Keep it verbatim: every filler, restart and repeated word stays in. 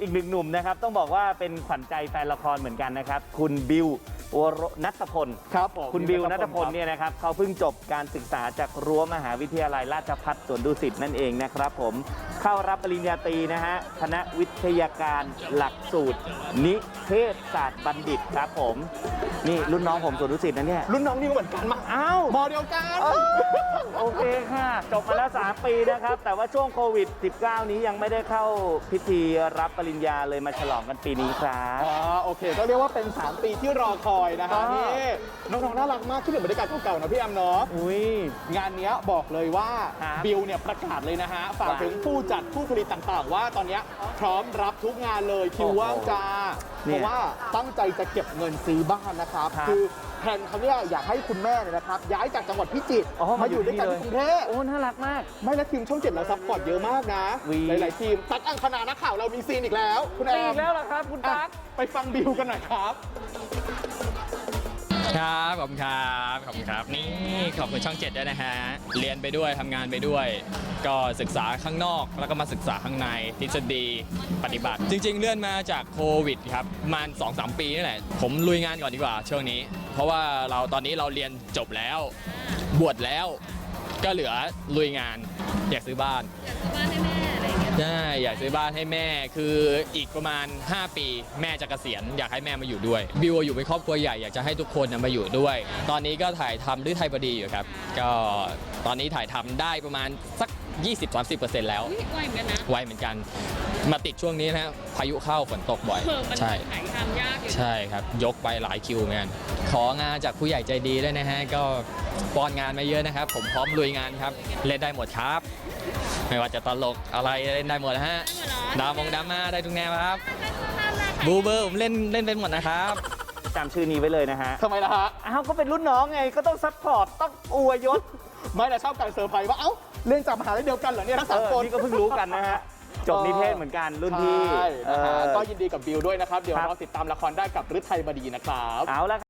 อีกหนึ่งหนุ่มนะครับต้องบอกว่าเป็นขวัญใจแฟนละครเหมือนกันนะครับคุณบิววรณัฐพลครับผมคุณบิวณัฐพลเนี่ยนะครับเขาเพิ่งจบการศึกษาจากรั้วมหาวิทยาลัยราชภัฏสวนดุสิตนั่นเองนะครับผมเข้ารับปริญญาตรีนะฮะคณะวิทยาการหลักสูตร นิเทศศาสตร์บัณฑิตครับผมนี่รุ่นน้องผมสวนดุสิตนะเนี่ยรุ่นน้องนิวเหมือนกันมาอ้าวมอเดียวกันโอเคค่ะ จบมาแล้ว สาม ปีนะครับ แต่ว่าช่วงโควิด สิบเก้า นี้ยังไม่ได้เข้าพิธีรับปริญญาเลยมาฉลองกันปีนี้ครับอ๋อโอเคก็เรียกว่าเป็นสามปีที่รอคอยนะฮะอ๋อนี่น้องๆน่ารักมากคิดถึงบรรยากาศเก่าๆนะพี่แอมเนาะอุ้ยงานเนี้ยบอกเลยว่าครับบิวเนี่ยประกาศเลยนะฮะฝากว่าถึงผู้จัดผู้ผลิตต่างๆ ว่าตอนเนี้ยพร้อมรับทุกงานเลยคิวโอ้โหว่างจ้าเนี่ยเพราะว่าตั้งใจจะเก็บเงินซื้อบ้านนะครับครับคือแผนเขาเนี่ยอยากให้คุณแม่เนี่ยนะครับย้ายจากจังหวัดพิจิตรอ๋อมาอยู่ด้วยกันมาอยู่ที่ที่กรุงเทพโอ้น่ารักมากไม่และทีมช่องเจ็ดเราซัพพอร์ตเยอะมากนะวีหลายๆทีมตั๊กอังคณานักข่าวเรามีซีนอีกแล้ว คุณแออีมกแล้วเหรอครับคุณตั๊กอ่ะไปฟังบิวกันหน่อยครับครับขอบคุณครับขอบคุณครับนี่ขอบคุณช่องเจ็ดด้วยนะฮะเรียนไปด้วยทำงานไปด้วย ก็ศึกษาข้างนอกแล้วก็มาศึกษาข้างในทฤษฎีปฏิบัติ จริง ๆ เลื่อนมาจากโควิดครับประมาณ สองสาม ปีนี่แหละผมลุยงานก่อนดีกว่าช่วงนี้ เพราะว่าเราตอนนี้เราเรียนจบแล้ว บวชแล้ว ก็เหลือลุยงานอยากซื้อบ้านบ้านให้แม่อะไรอย่างเงี้ยใช่อยากซื้อบ้านให้แม่คืออีกประมาณ ห้า ปีแม่จะเกษียณอยากให้แม่มาอยู่ด้วยบิวอยู่เป็นครอบครัวใหญ่อยากจะให้ทุกคนน่ะมาอยู่ด้วย ตอนนี้ก็ถ่ายทำด้วยไทยบดีอยู่ครับก็ตอนนี้ถ่ายทำได้ประมาณสัก ยี่สิบถึงสามสิบเปอร์เซ็นต์ แล้วอุ๊ยไวเหมือนกันนะไวเหมือนกัน มาติดช่วงนี้นะพายุเข้าฝนตกบ่อยเพิ่มมันใช่ถ่ายทำยากอยู่ใช่ครับยกไปหลายคิวเหมือนกันของานจากผู้ใหญ่ใจดีด้วยนะฮะก็ป้อนงานมาเยอะนะครับ ผมพร้อมลุยงานครับเล่นได้หมดครับ ไม่ว่าจะตลกอะไรเล่นได้หมดนะฮะดาวมงดราม่าได้ทุกแนวครับบูเบอร์ผมเล่นเล่นเป็นหมดนะครับจำชื่อนี้ไว้เลยนะฮะทำไมล่ะฮะอ้าวก็เป็นรุ่นน้องไงก็ต้องซัพพอร์ตต้องอวยยศไม่แต่ชอบการเซอร์ไพรส์ว่า เอ้า เรียนจากมหาลัยเดียวกันเหรอเนี่ยทั้งเอสามอคนนี่ก็เพิ่งรู้กันนะฮะจบนิเทศเหมือนกันรุ่นพี่ใช่นะฮะเออก็ยินดีกับบิวด้วยนะครับ เดี๋ยวครับรอติดตามละครได้กับฤทัยบดีนะครับเอาละ